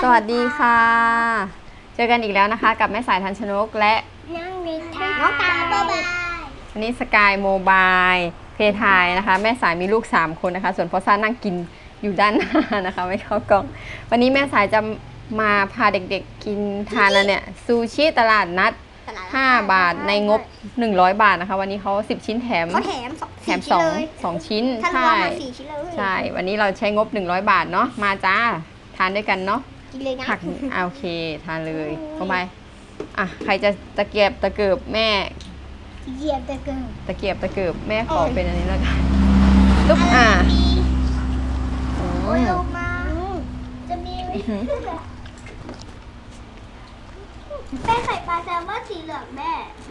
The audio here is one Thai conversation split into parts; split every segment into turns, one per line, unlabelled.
วัสดีค่ะ เจอกันอีกแล้วนะคะกับแม่สายทันชนกและ
น้องตาบ๊ายบาย
วันนี้สกายโมบายเพทายนะคะแม่สายมีลูก3คนนะคะส่วนพอซ่านั่งกินอยู่ด้านหน้านะคะไม่เข้ากล้องวันนี้แม่สายจะมาพาเด็กๆกินทานแล้วเนี่ยซูชิตลาดนัด5 บาทในงบ100 บาทนะคะวันนี้เขา10 ชิ้นแถม2 ชิ้นใช่ใช่วันนี้เราใช้งบ100 บาทเนาะมาจ้าทานด้วยกันเนาะ
กินเลยนะ
ผักโอเคทานเลยเข้าไปอ่ะใครจะตะเกียบตะเกิบแม่
เหยียบตะเกียบ
ตะเกียบตะเกิบแม่ขอเป็นอันนี้แล้วกันลูก
โอ้ยลงมาจะมีแป้งไข่ปลาแซลมอนสีเหลืองแม่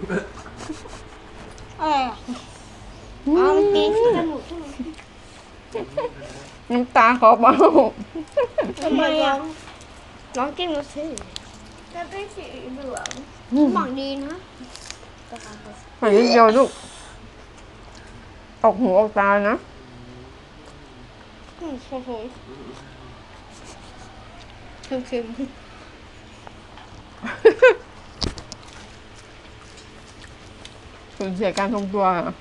มันกินที่จมูกใช่ไหม
น้ำตาขอเบา
ทำไมน้องกินดูสิจะเป็นสีเหลืองหวังดีนะ
หอยเดียวลูกออกหูออกตานะ
โอ้โหเค็ม
สูญเสียการทรงตัว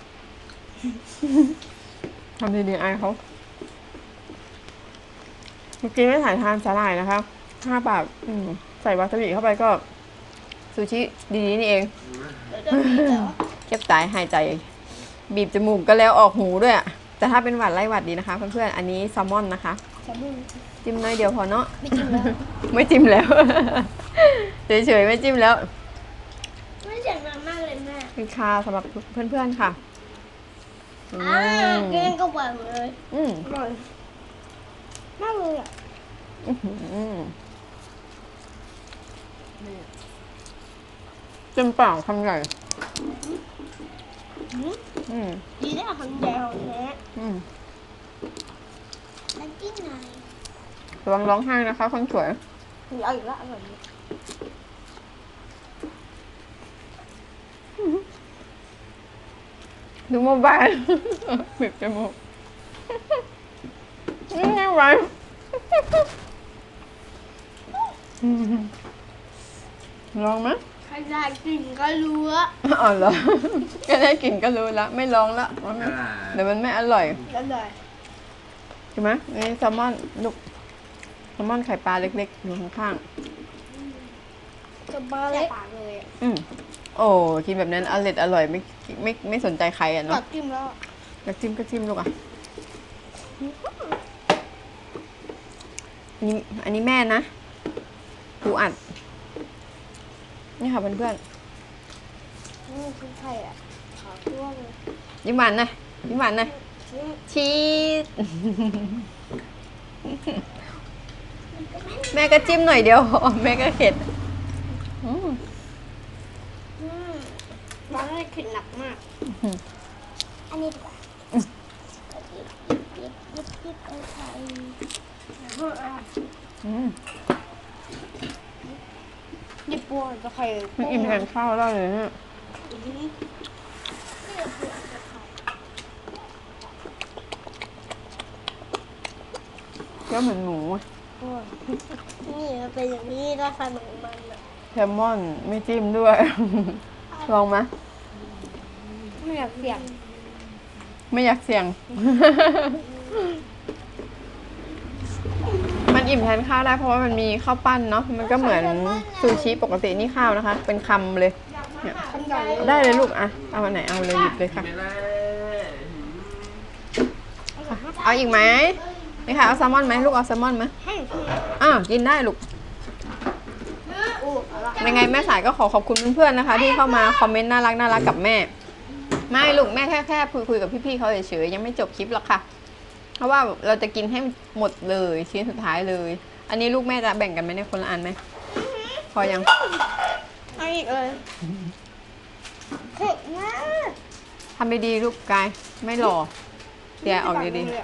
ทำดีๆไอเขาเมื่อกี้ไม่ถ่ายทานสาหร่ายนะคะ5 บาทใส่วาซาบิเข้าไปก็ซูชิดีๆนี่เองเก็บสายหายใจบีบจมูกก็แล้วออกหูด้วยอะแต่ถ้าเป็นหวัดไล่หวัดดีนะคะเพื่อนๆอันนี้แซลมอนนะคะจิ้มน้อยเดียวพอเนาะไม่จิ้มแล้วเฉยๆไม่จิ้มแล้ว
ไม่เสียงดังมากเลยแม่
เป็นคาสำหรับเพื่อนๆค่ะ
กินก็หวานเลยอร่อยมากเลยอ่ะ
จิ้มเปล่าคำใหญ่
ดีได้คำใหญ่ของแท้แล้วจิ้มหน่อย
ระวังร้องไห้นะคะคนสวย
เอาอีกแล้วอร่อย
ดูโมบายบีบจมูกไม่ไหวลองไหม
ใครได้กลิ่นก็รู้ละ
อ๋อเหรอก็ได้กลิ่นก็รู้แล้วไม่ลองละเดี๋ยวมันไม่อร่อยใช่ไหมนี่แซลมอนลูกแซลมอนไข่ปลาเล็กๆอยู่ข้าง
ๆจะบ้าเลยปากเลย
โอ้กินแบบนั้นอร่อยไม่สนใจใครอ่ะเนาะ
อยากจิ้มแล้ว
อยากจิ้มก็จิ้มลูกอ่ะอันนี้แม่นะปูอัดนี่ค่ะเพื่อน
ๆคือไข่อ่ะขอทั่วเลย
ยิ้มหวานนะยิ้มหวานนะชีสแม่ก็จิ้มหน่อยเดียวแม่ก็เข็ด
ร้อนเลยขึ้นหนักมากอันนี้ดีกว่ายิบเอาไข่ยิบปัวจะไข่
มันอิ่มแทนข้าวได้เลยเนี่ยก็เหมือนหมู
นี่มันเป็นอย่างนี้ราคาเหมือนมัน
แซลมอนไม่จิ้มด้วยลองไหม
ไม่อยากเสี่ยง
ไม่อยากเสี่ยงมันอิ่มแทนข้าวได้เพราะว่ามันมีข้าวปั้นเนาะมันก็เหมือนซูชิปกตินี่ข้าวนะคะเป็นคำเลยเนี่ยได้เลยลูกอะเอาอันไหนเอาเลยหยิบเลยค่ะเอาอีกไหมนี่ค่ะเอาแซลมอนไหมลูกเอาแซลมอนไหมกินได้ลูกยังไงแม่สายก็ขอบคุณเพื่อนๆนะคะที่เข้ามาคอมเมนต์น่ารักกับแม่ไม่ลูกแม่แค่คุยกับพี่ๆเขาเฉยๆยังไม่จบคลิปหรอกค่ะเพราะว่าเราจะกินให้หมดเลยชิ้นสุดท้ายเลยอันนี้ลูกแม่จะแบ่งกันไหมเนี่ยคนละอันไหมพอยัง
เอาอีกเลยเผ็ดมาก
ทำดีๆลูกกายไม่หล่อเดี๋ยวออกดีๆ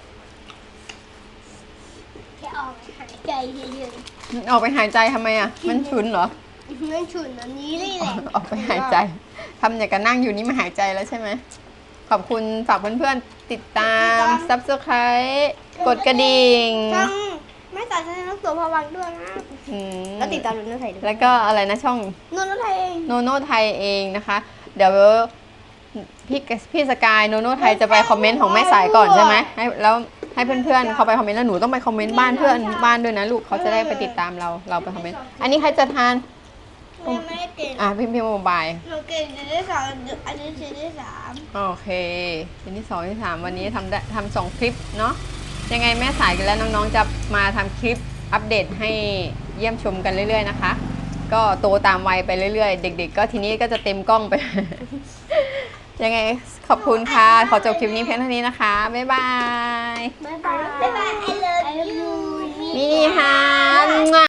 แค่ออกหายใจเยอะ
ๆออกไปหายใจทำไมอ่ะมันฉุนเหรอ
มันฉุนอันนี้เลยแหละ
ออกไปหายใจทำอย่างกับนั่งอยู่นี่มาหายใจแล้วใช่ไหมขอบคุณฝากเพื่อนๆติดตาม Subscribe กดกระดิ่ง
ไม่ใส่ากจะให้น้องตัวพวังด้วยนะ
อืม
แล้วติดตามนุ่นไทยด้วย
แล้วก็อะไรนะช่อง
นุ่นไทยเอง
โนโน่ไทยเองนะคะ เดี๋ยวพี่สกายโนโน่ไทยจะไปคอมเมนต์ของแม่สายก่อนใช่ไหมแล้วให้เพื่อนๆเขาไปคอมเมนต์แล้วหนูต้องไปคอมเมนต์บ้านเพื่อนบ้านด้วยนะลูกเขาจะได้ไปติดตามเราไปคอมเมนต์อันนี้ใครจะทาน
ยังไม่ได้เก่ง
พี่โมบาย
หนูเก่งจะได้สามอันนี้ชิ้นที่สาม
โอเคชิ้นที่2ที่3วันนี้ทำ2คลิปเนาะยังไงแม่สายและน้องๆจะมาทำคลิปอัปเดตให้เยี่ยมชมกันเรื่อยๆนะคะ ก็โตตามวัยไปเรื่อยๆ เด็กๆ ก็ทีนี้ก็จะเต็มกล้องไป ยังไงขอบคุณค่ะ ขอจบคลิปนี้เพียงเท่านี้นะคะ บ๊ายบาย
บ๊ายบาย I love you
นี่ค่ะ